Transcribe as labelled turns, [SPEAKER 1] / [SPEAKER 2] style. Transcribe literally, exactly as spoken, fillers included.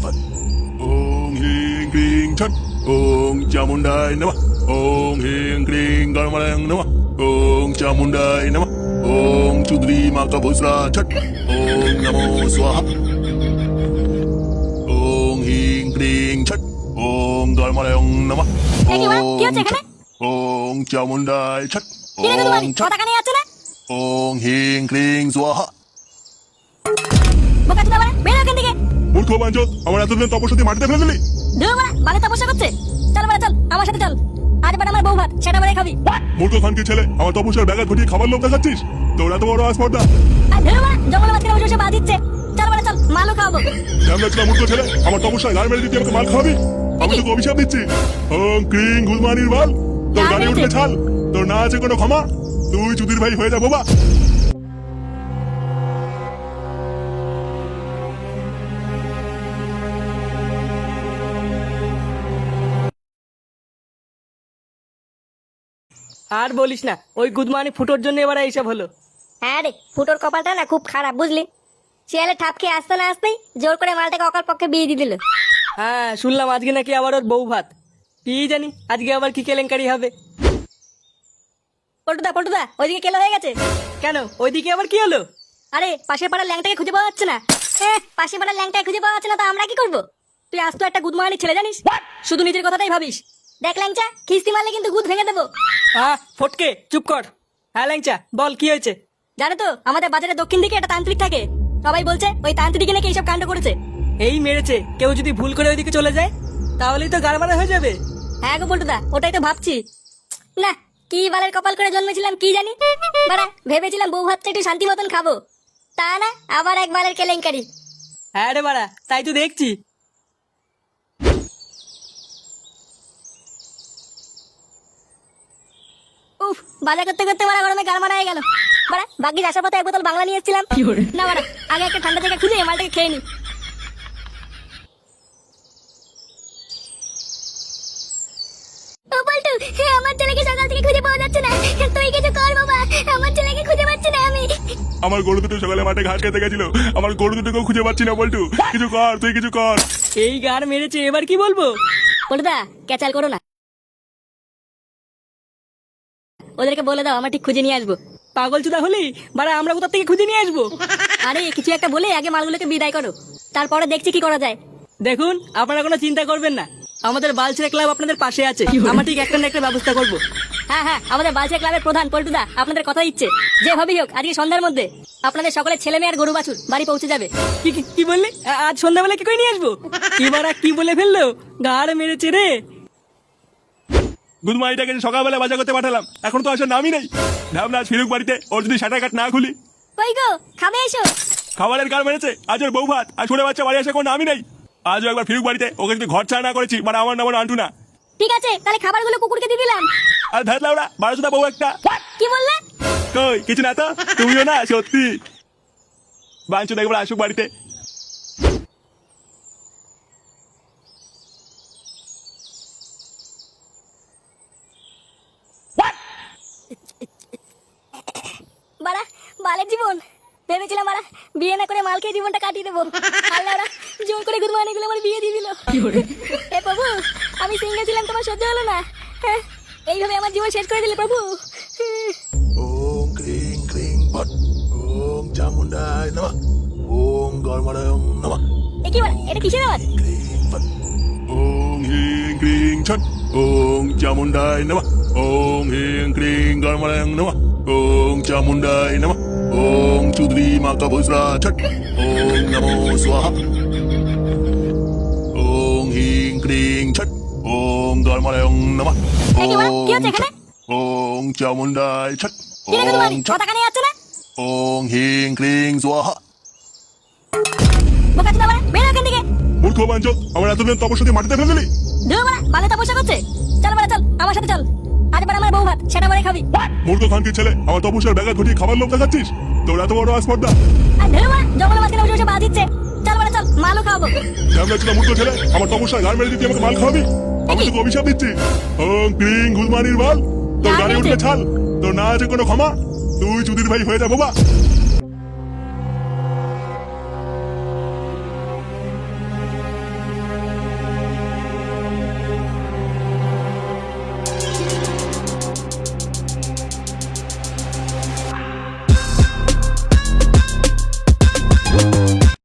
[SPEAKER 1] ফট। ওং হিং ক্রিং ছট। ওং চামুন্ডায় নমঃ। ওং হিং ক্রিং গণমালয় নমঃ। ওং চামুন্ডায় নমঃ। ওং চুদ্রি মাকা ভুসরা ছট। ওং নমো স্বাহা। ওং হিং ক্রিং ছট। ওং গণমালয় নমঃ।
[SPEAKER 2] এ কি বাড়া? কি হচ্ছে এখানে?
[SPEAKER 1] ওং চামুন্ডায় ছট।
[SPEAKER 2] কি রে গুদমানি?
[SPEAKER 1] ওং ছট।
[SPEAKER 2] কথা কানে যাচ্ছে না?
[SPEAKER 1] ওং হিং ক্রিং স্বাহা।
[SPEAKER 2] বোকাচোদা বাড়া, বেরো এখান থেকে।
[SPEAKER 1] মূর্খ বাঞ্চত, আমার এতদিন তপস্যা মাটিতে ফেলে দিলি।
[SPEAKER 2] ধুর বাড়া, বালে তপস্যা করছে। চল বাড়া চল, আমার সাথে চল। আজ বাড়া আমার বউ ভাত, সেটা বাড়াই খাবি।
[SPEAKER 1] মূর্খ খানকে ছেলে, আমার তপস্যার ব্যাঘাত ঘটিয়ে খাবার লোভ দেখাচ্ছিস? তোর এত বড় আসপর্দা।
[SPEAKER 2] আর ধুর বাড়া, জঙ্গলের মাঝখানে বসে বসে বাদ দিচ্ছে। চল বাড়া চল, মালও খাওয়াবো।
[SPEAKER 1] ঝামলাচলা মূর্খ ছেলে, আমার তপস্যায় গাড়ি মেরে দিতে আমাকে মাল খাওয়াবি? আমি তোকে অভিশাপ দিচ্ছি। ওং ক্রিং গুলমানির বাল, তোর গাড়ি উঠবে ছাল। তোর না আছে কোনো ক্ষমা। তুই চুদির ভাই হয়ে যা বাবা।
[SPEAKER 3] আর বলিস না, ওই গুদমানি ফুটোর জন্য এবার এইসব হলো।
[SPEAKER 2] হ্যাঁ রে, ফুটোর কপালটা না খুব খারাপ বুঝলি। শিয়ালে ঠাপ খেয়ে আসতে না আসতেই জোর করে মালটাকে অকাল পক্ষে বিয়ে দিয়ে দিল।
[SPEAKER 3] হ্যাঁ, শুনলাম আজকে নাকি আবার ওর বউ ভাত। কি জানি আজকে আবার কি কেলেঙ্কারি হবে।
[SPEAKER 2] পল্টুদা পল্টুদা, ওইদিকে কেলো হয়ে গেছে।
[SPEAKER 3] কেন, ওইদিকে আবার কি হলো?
[SPEAKER 2] আরে পাশের পাড়ার ল্যাংটাকে খুঁজে পাওয়া যাচ্ছে না। হ্যাঁ, পাশের পাড়ার ল্যাংটাকে খুঁজে পাওয়া যাচ্ছে না, তো আমরা কি করবো? তুই আজ তো একটা গুদমানি ছেলে জানিস, শুধু নিজের কথাটাই ভাবিস। দেখ ল্যাংচা, খিস্তি মারলে কিন্তু গুদ ভেঙে দেবো।
[SPEAKER 3] আহ ফটকে চুপ কর। হ্যাঁ ল্যাংচা, বল কি হয়েছে?
[SPEAKER 2] জানো তো আমাদের বাজারের দক্ষিণ দিকে একটা তান্ত্রিক থাকে। সবাই বলছে ওই তান্ত্রিকে নাকি এইসব কাণ্ড করেছে।
[SPEAKER 3] এই মেরেছে, কেউ যদি ভুল করে ওইদিকে চলে যায় তাহলেই তো গাড়মারা হয়ে যাবে।
[SPEAKER 2] হ্যাঁ গো পল্টুদা, ওটাই তো ভাবছি। না, কি বালের কপাল করে জন্মেছিলাম কি জানি। বাড়া, ভেবেছিলাম বউ ভাতটা একটু শান্তি মতন খাবো, তা না আবার এক বালের কেলেঙ্কারি।
[SPEAKER 3] হ্যাঁ রে বাড়া, তাই তো দেখছি।
[SPEAKER 2] উফ, বাজার করতে করতে বাড়া গরমে গাল মারা হয়ে গেল। বাড়া, বাকি আসার পথে এক বোতল বাংলা নিয়ে এসেছিলাম। না বাড়া, আগে একটা ঠান্ডা জায়গা খুঁজে মালটাকে খেয়ে নি। ও পল্টু, আমার ছেলেকে সকাল থেকে খুঁজে পাওয়া যাচ্ছে না। তুই কিছু কর বাবা, আমার ছেলেকে খুঁজে পাচ্ছি না আমি।
[SPEAKER 1] আমার গরু দুটো সকালে মাঠে ঘাস খেতে গেছিল, আমার গরু দুটোকেও খুঁজে পাচ্ছি না। বল্টু, কিছু কর, তুই কিছু কর।
[SPEAKER 3] এই গার মেরেছে, এবার কি বলবো?
[SPEAKER 2] পল্টুদা, ক্যাচাল করো না, ওদেরকে বলে দাও আমরা ঠিক খুঁজে নিয়ে আসবো।
[SPEAKER 3] পাগল চুদা হলি বাড়া, আমরা কোথা থেকে খুঁজে নিয়ে আসবো?
[SPEAKER 2] আরে কিছু একটা বলে আগে মালগুলোকে বিদায় করো, তারপরে দেখছি কি করা যায়।
[SPEAKER 3] দেখুন, আপনারা কোনো চিন্তা করবেন না, আমাদের বালছেড়ে ক্লাব আপনাদের পাশে আছে। আমরা ঠিক একটা না একটা ব্যবস্থা করবো।
[SPEAKER 2] হ্যাঁ হ্যাঁ, আমাদের বালচিয়া ক্লাবের প্রধান পল্টুদা আপনাদের কথা দিচ্ছে, যেভাবেই হোক আজকে সন্ধ্যার মধ্যে আপনাদের সকলের ছেলে মেয়ে আর গরু বাছুর বাড়ি পৌঁছে যাবে।
[SPEAKER 3] কি কি- কি বললি? আ- আজ সন্ধ্যাবেলা কি করে নিয়ে আসবো? এবার আর কি বলে ফেললো, গাড় মেরেছে রে।
[SPEAKER 1] গুদমাইটাকে সকালবেলা বাজার করতে পাঠালাম, এখন তো আসার নামই নেই। ভাবনা আজ ফিরুক বাড়িতে, ওর যদি সাঁটার কাট না খুলি।
[SPEAKER 2] কই গো, খাবে এসো।
[SPEAKER 1] খাবারের গাল মেরেছে, আজ ওর বউ ভাত আর ছোট বাচ্চা বাড়ি আসে কোনো নামই নেই। আজও একবার ফিরুক বাড়িতে, ওকে যদি ঘর ছাড়া না করেছি মানে আমার নাম আন্টু না।
[SPEAKER 2] ঠিক আছে, তাহলে খাবারগুলো কুকুরকে দিয়ে দিলাম।
[SPEAKER 1] আর ধাত লাউড়া বারোশোটা বউ একটা।
[SPEAKER 2] কি বললে?
[SPEAKER 1] কই কিছু না তো, তুমিও না সত্যি। বাঞ্চু একবার আসুক বাড়িতে।
[SPEAKER 2] বাড়া, বালের জীবন। ভেবেছিলাম বাড়া বিয়ে না করে মাল খেয়ে জীবনটা কাটিয়ে দেবো, আর ওরা জোর করে গুদমানি গুলো আমার বিয়ে দিয়ে দিল। এ প্রভু, আমি সিঙ্গেল ছিলাম, তোমার সহ্য হলো না। হ্যাঁ, এইভাবে আমার জীবন শেষ করে দিলে প্রভু।
[SPEAKER 1] ওং ক্রিং ক্রিং ফট। ওং চামুন্ডায় নমঃ। ওং গণমালয় নমঃ।
[SPEAKER 2] এ কি বাড়া, এটা কিসের আওয়াজ?
[SPEAKER 1] ক্রিং ফট। ওং হিং ক্রিং ছট। ওং চামুন্ডায় নমঃ। ওং হিং ক্রিং গণমালয় নমঃ। ওং চামুন্ডায় নমঃ। ওং চুদ্রি মাকা ভুসরা ছট। ওং নমো স্বাহা। ওং হিং ক্রিং ছট। ওং গণমালয় নমঃ।
[SPEAKER 2] এ কি বাড়া, কি হচ্ছে এখানে?
[SPEAKER 1] ওং চামুন্ডায় ছট।
[SPEAKER 2] কি রে গুদমানি,
[SPEAKER 1] ওং ছট।
[SPEAKER 2] কথা কানে যাচ্ছে না?
[SPEAKER 1] ওং হিং ক্রিং স্বাহা।
[SPEAKER 2] বোকাচোদা বাড়া, বেরো এখান থেকে।
[SPEAKER 1] মূর্খ বাঞ্চত, আমার এতদিন তপস্যা মাটিতে ফেলে দিলি।
[SPEAKER 2] ধুর বাড়া, বালে তপস্যা করছে। চল বাড়া চল, আমার সাথে চল। আজ বাড়া আমার বউ ভাত, সেটা বাড়াই খাবি।
[SPEAKER 1] মূর্খ খানকে ছেলে, আমার তপস্যার ব্যাঘাত ঘটিয়ে খাবার লোভ দেখাচ্ছিস? তোর এত বড় আসপর্দা।
[SPEAKER 2] আর ধুর বাড়া, জঙ্গলের মাঝখানে বসে বসে বাদ দিচ্ছে। চল বাড়া চল, মালও খাওয়াবো।
[SPEAKER 1] ঝামলাচলা মূর্খ ছেলে, আমার তপস্যায় গাড় মেরে দিতে আমাকে মাল খাওয়াবি? আমি তোকে অভিশাপ দিচ্ছি। ওং ক্রিং গুলমানির বাল, তোর গাড়ি উঠবে ছাল। তোর না আছে কোনো ক্ষমা। তুই চুদির ভাই হয়ে যা বাবা।